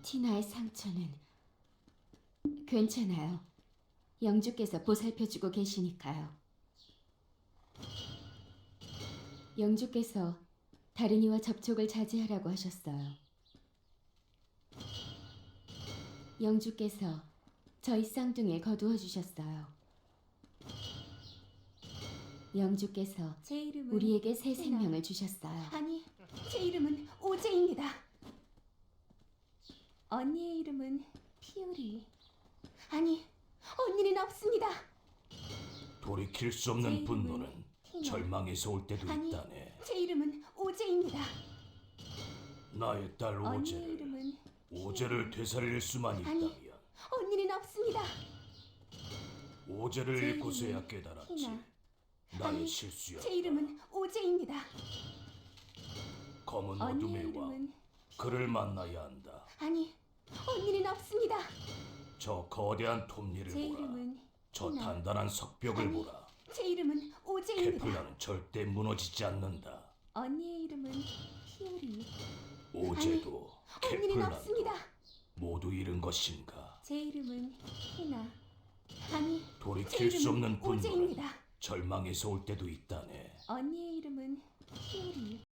티나의 상처는 괜찮아요. 영주께서 보살펴주고 계시니까요. 영주께서 다른이와 접촉을 자제하라고 하셨어요. 영주께서 저희 쌍둥이를 거두어 주셨어요. 영주께서 제 이름은 우리에게 새 티나. 생명을 주셨어요. 아니, 제 이름은 오제입니다. 언니의 이름은 피오리. 아니, 언니는 없습니다. 돌이킬 수 제 없는 이름은 분노는 티나. 절망에서 올 때도 아니, 있다네. 제 이름은 오제입니다. 나의 딸 언니의 오제를 이름은 오제를 되살릴 수만 아니. 있다면 언니는 없습니다. 오제를 제 잃고서야 이름은 깨달았지. 티나. 나의 아니, 실수였다. 제 이름은 오제입니다. 검은 언니의 어둠의 왕 이름은 그를 만나야 한다. 아니, 언니는 없습니다. 저 거대한 톱니를 제 보라. 이름은 저 티나. 단단한 석벽을 아니, 보라. 제 이름은 오제입니다. 케플라는 절대 무너지지 않는다. 언니의 이름은 피오리. 오제도 언니는 케플라도 없습니다. 모두 잃은 것인가? 제 이름은 티나. 아니, 제 돌이킬 수 이름은 없는 분노는 오제입니다. 절망에서 올 때도 있다네. 언니의 이름은 피오리.